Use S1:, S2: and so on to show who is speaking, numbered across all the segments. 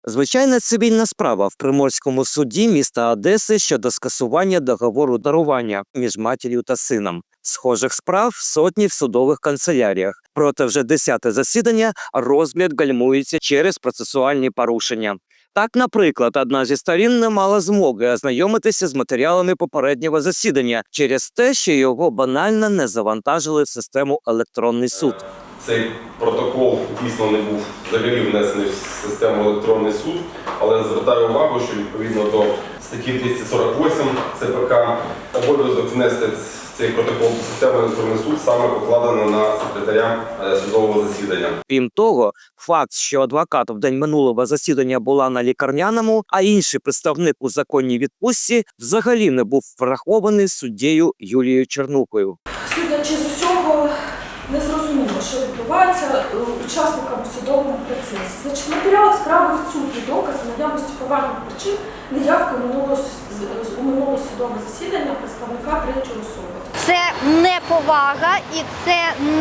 S1: Звичайна цивільна справа в Приморському суді міста Одеси щодо скасування договору дарування між матір'ю та сином. Схожих справ сотні в судових канцеляріях. Проте вже 10-те засідання розгляд гальмується через процесуальні порушення. Так, наприклад, одна зі сторін не мала змоги ознайомитися з матеріалами попереднього засідання через те, що його банально не завантажили в систему електронний суд.
S2: Цей протокол дійсно не був взагалі внесений в систему електронний суд, але звертаю увагу, що відповідно до статті 248 ЦПК обов'язок внести цей протокол в систему електронний суд саме покладено на секретаря судового засідання.
S1: Крім того, факт, що адвокат в день минулого засідання була на лікарняному, а інший представник у законній відпустці взагалі не був врахований суддею Юлією Чернухою.
S3: Судячи з усього, не зрозуміло, що відбувається учасниками судового процесу. Значить, в матеріалах справи відсутні докази наявності поважних причин неявки у минулого судового засідання представника третьої особи.
S4: Це неповага і це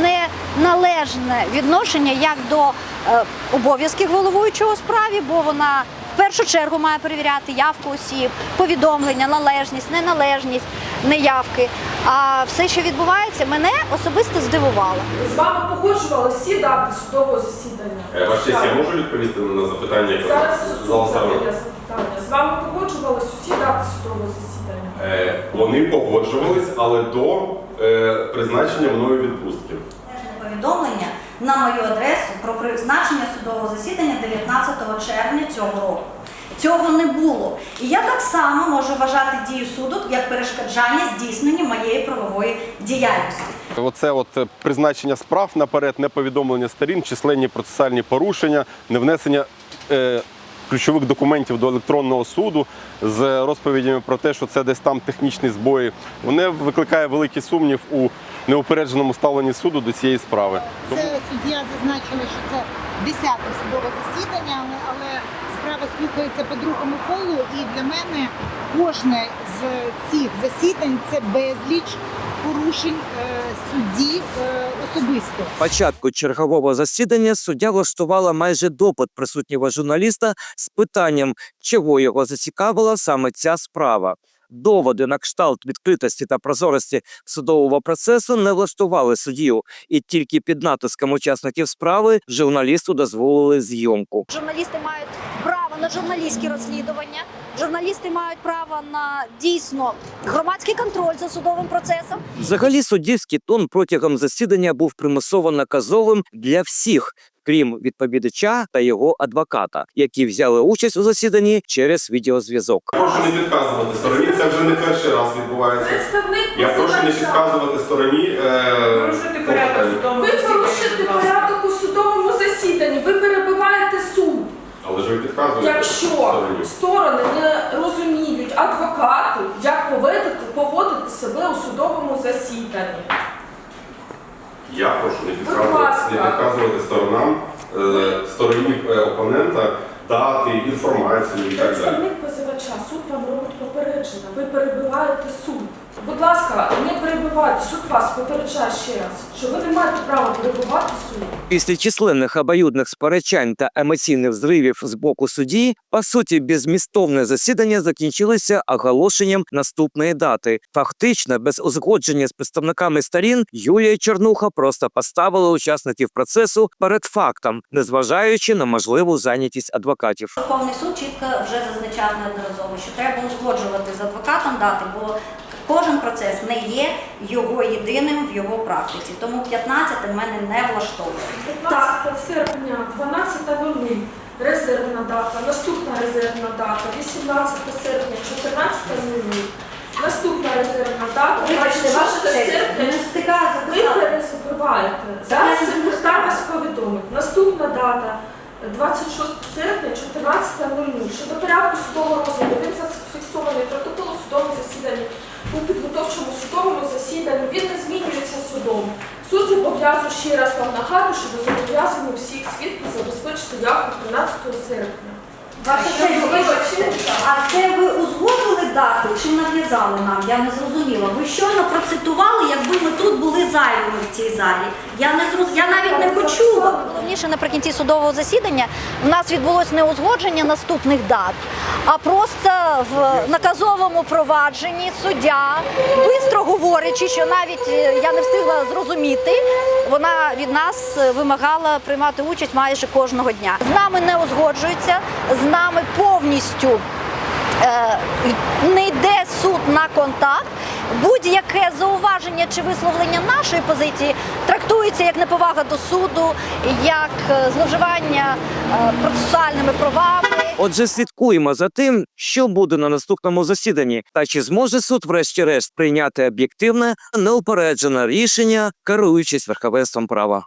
S4: неналежне відношення як до обов'язків головуючого у справі, бо вона в першу чергу має перевіряти явку осіб, повідомлення, належність, неналежність, неявки. А все, що відбувається, мене особисто здивувало.
S3: З вами погоджували всі дати судового засідання?
S2: Ваша честь, я можу відповісти на запитання, яке
S3: зараз
S2: зал ставив?
S3: запитання. З вами погоджувались усі дати судового засідання?
S2: Вони погоджувались, але до призначення мною відпустки.
S5: Повідомлення на мою адресу про призначення судового засідання 19 червня цього року. Цього не було. І я так само можу вважати дію суду як перешкоджання здійсненню моєї правової діяльності.
S2: Оце призначення справ наперед, неповідомлення сторін, численні процесуальні порушення, невнесення ключових документів до електронного суду з розповідями про те, що це десь там технічні збої. Вони викликає великий сумнів у неупередженому ставленні суду до цієї справи.
S6: Це суддя зазначила, що це 10-те судове засідання, але справа слухається по другому колу, і для мене кожне з цих засідань – це безліч порушень судді особисто.
S1: Початку чергового засідання суддя влаштувала майже допит присутнього журналіста з питанням, чого його зацікавила саме ця справа. Доводи на кшталт відкритості та прозорості судового процесу не влаштували суддю, і тільки під натиском учасників справи журналісту дозволили зйомку.
S4: Журналісти мають право на журналістські розслідування, журналісти мають право на дійсно громадський контроль за судовим процесом.
S1: Взагалі суддівський тон протягом засідання був примусово наказовим для всіх, крім відповідача та його адвоката, які взяли участь у засіданні через відеозв'язок.
S2: Прошу не підказувати стороні, це вже не перший раз відбувається. Я прошу не підказувати стороні.
S3: Ви порушите порядок у судовому засіданні, ви перебиваєте суд.
S2: Але ж ви підказуєте.
S3: Якщо сторони не розуміють адвокати, як поводити себе у судовому засіданні.
S2: Я прошу не підказувати сторонам, стороні опонента дати інформацію і так далі.
S3: Представник позивача, суд вам робить попередження, ви перебиваєте суд. Будь ласка, не перебивайте, суд вас попереджає ще раз, що ви не маєте права перебивати суд.
S1: Після численних обоюдних сперечань та емоційних зривів з боку судді, по суті, беззмістовне засідання закінчилося оголошенням наступної дати. Фактично, без узгодження з представниками сторін, Юлія Чернуха просто поставила учасників процесу перед фактом, незважаючи на можливу зайнятість адвокатів.
S5: Верховний суд чітко вже зазначав неодноразово, що треба узгоджувати з адвокатом дати, бо кожен процес не є його єдиним в його практиці. Тому 15 в мене не влаштовує.
S3: 15 серпня, 12:00 резервна дата, наступна резервна дата, 18 серпня, 14:00, наступна резервна дата, 26 серпня, ви перезабиваєте. Зараз секретар вас повідомить. Наступна дата, 26 серпня, 14:00. Щодо порядку судового розгляду, він зафіксований протокол у судовому засіданні. У підготовчому судовому засіданні він не змінюється судом. Суд зобов'язує, ще раз вам нагадую, що ви зобов'язані всіх свідків забезпечити явку 13 серпня.
S5: А це ви узгодили дату чи нав'язали нам? Я не зрозуміла. Ви щойно процитували, якби ми тут були зайвими в цій залі. Я навіть не почула.
S4: Найголовніше наприкінці судового засідання в нас відбулось не узгодження наступних дат, а просто в наказовому провадженні суддя, бистро говорячи, що навіть я не встигла зрозуміти, вона від нас вимагала приймати участь майже кожного дня. З нами не узгоджується, з нами повністю не йде суд на контакт. Будь-яке зауваження чи висловлення нашої позиції трактується як неповага до суду, як зловживання процесуальними правами.
S1: Отже, слідкуємо за тим, що буде на наступному засіданні, та чи зможе суд врешті-решт прийняти об'єктивне, неупереджене рішення, керуючись верховенством права.